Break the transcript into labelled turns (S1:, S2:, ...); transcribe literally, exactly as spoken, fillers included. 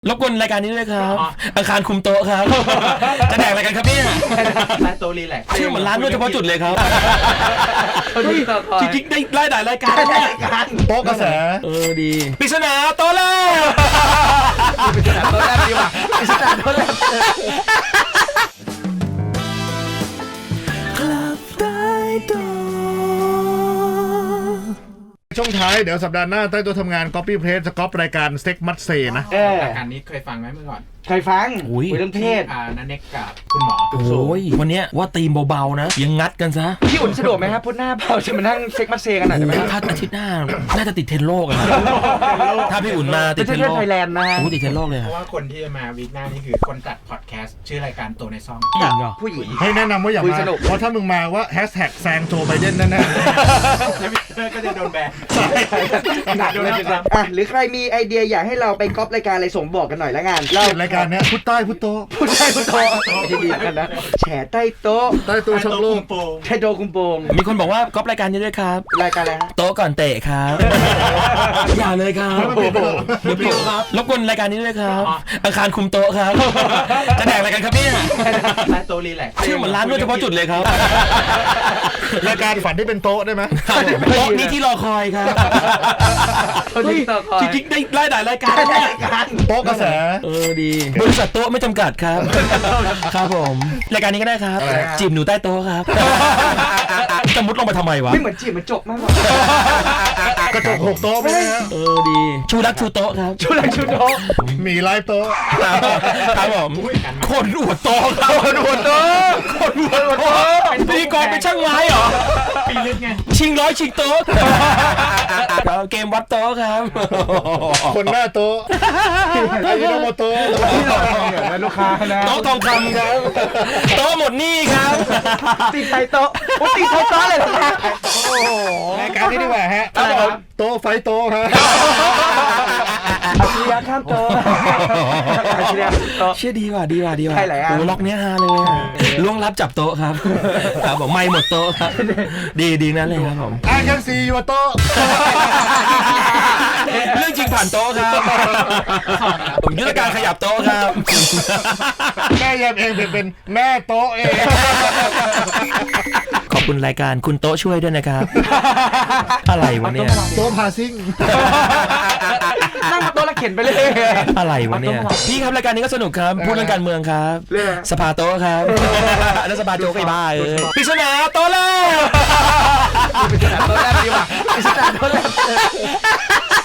S1: รบกวนรายการนี้ด้วยครับอาคารคุมโต๊ะครับจะแดกอะไรกันครับเนี่ย
S2: ร้านโต๊ะรีแลกซ์
S1: ชื่อเหมือนร้านนวดเฉพาะจุดเลยครับจริงๆได้ไล่หลายรายการ
S3: โต๊ะกระแส
S1: เออดีปริศนาโต๊ะแรก
S2: ปริศนาโต๊ะแรกดีว่ะปริศนาโต๊ะแรก
S3: ช่วงท้ายเดี๋ยวสัปดาห์หน้าใต้ตัวทำงาน Copy Paste จะก๊อปรายการสเต็กมัตเซนะ
S2: รายการนี้เคยฟังไหมเมื่อก่อน
S4: เคยฟังคุยเรื่องเพศ
S2: อ่านันเน็กกับคุณหมอ
S1: โอ้ยวันนี้ว่าตีมเบาๆนะยังงัดกันซะ
S4: พี่อุ่นสะดวกไหมครับพุธหน้าเราจะมานั่งเซ็กมัตเซกันหน่อยได้ไหม
S1: ถ้าอาทิตย์หน้าน่าจะติดเทรนด์โลกอะถ้าพี่อุ่นมาติดเทรนด์โลก
S4: ไทยแลนด์นะฮะ
S1: ติดเทรนด์โลกเลย
S2: เพราะว่าคนที่จะมาวีคหน้านี่คือคนจัดพอดแคสต์ชื่อรายการตัวในซ่อง
S1: ผู้หญิงเหรอ
S4: ผู้หญิง
S3: ให้แนะนำว่าอย่ามาเพราะถ้ามึงมาว่าแฮชแท็กแซงโจไบเดนแน่
S2: ๆก็จะโดนแบน
S4: หนักเลยครับอ่ะหรือใครมีไอเดียอยากให้เราไปก๊อปรายการอะไรส่งบอกกันหน่อยละกัน
S3: เรารายการเนี้ยพุทใต้พุทโต
S4: พุทใต้พุทโตที่ดีกันนะแฉใต้โต๊ะ
S3: ใต้โต๊ะช่องโลก
S4: ใต้โต๊ะคุมโปง
S1: มีคนบอกว่าก๊อปรายการนี้ด้วยครับ
S4: รายการอะไรฮะ
S1: โต๊ะก่อนเตะครับอย่าเลยครับเดี๋ยวเปลี่ยนครับรบกวนรายการนี้ด้วยครับอาคารคุมโต๊ะครับจะแดกอะไรกันครับเนี่ย
S2: ร้านโต๊ะรีแลกซ์
S1: ชื่อเหมือนร้านนวดเฉพาะจุดเลยครับ
S3: รายการฝันที่เป็นโต๊ะได้ไหม
S1: โต๊ะนี้ที่รอคอยครับจริงๆได้ไล่หลายรายการ
S3: โต๊ะกระแส
S1: เออดีบริษัทโต๊ะไม่จำกัดครับครับผมรายการนี้ก็ได้ครับจีบหนูใต้โต๊ะครับจะมุดลงไปทำไมวะ
S4: ไม่เหมือนจีบมันจบมากกว่าก
S3: ระจกหกโต๊ะไหม
S1: เออดีชูรักชูโต๊ะครับ
S4: ชูรักชูโต๊ะ
S3: มีไลฟ์โต๊ะ
S1: ครับผมคนอวดโต๊ะครับ
S4: คนอวดโต๊ะ
S1: คนอวดโต๊ะเป็นพิธีกรเป็นช่างไม้เหรอ
S2: ปีลึกไง
S1: ชิงร้อยชิงโต๊ะเกมวัดโต๊ะครับ
S3: คนหน้าโต๊ะไอ้โนโมโต๊ะ
S4: ลูกค้านะ
S1: โต๊ะทองคำครับโต๊ะหมดหนี้ครับ
S4: ตีไทยโต๊ะโอ้ตีไทยโต๊ะเลยนะ
S3: โอ้โหรายการนี้ดีกว่าฮะโต๊ะไฟโต๊ะฮะ
S4: อาชีพข้ามโต๊ะอาชีพโต๊ะ
S1: เชื่อดีว่ะดีว่ะดีว่ะ
S4: ใช่ไหมอ่ะ
S1: โอ้ล็อกเนี้ยฮาเลยล่วงลับจับโต๊ะครับครับผมไม่หมดโต๊ะครับดีดีนั่นเลยครับผม
S3: I can see your โต๊ะ
S1: เรื่องจริงผ่านโต๊ะครับผมยุทธการขยับโต๊ะครับ
S3: แม่แยมเองเป็นแม่โต๊ะเอง
S1: ขอบคุณรายการคุณโต๊ะช่วยด้วยนะครับอะไรวะเนี่ย
S3: โต๊ะพาซิ่ง
S4: นั่งมาโต๊ะแล้วเข็นไปเลย
S1: อะไรวะเนี่ยพี่ครับรายการนี้ก็สนุกครับพูดเรื่องการเมืองครับสภาโต๊ะครับแล้วสภาโจ๊กไอ้บ้าเอ้ยปริศนาโต๊ะแรก
S4: ปริศนาโต๊ะแรกดีว่ะปริศนาโต๊ะแรก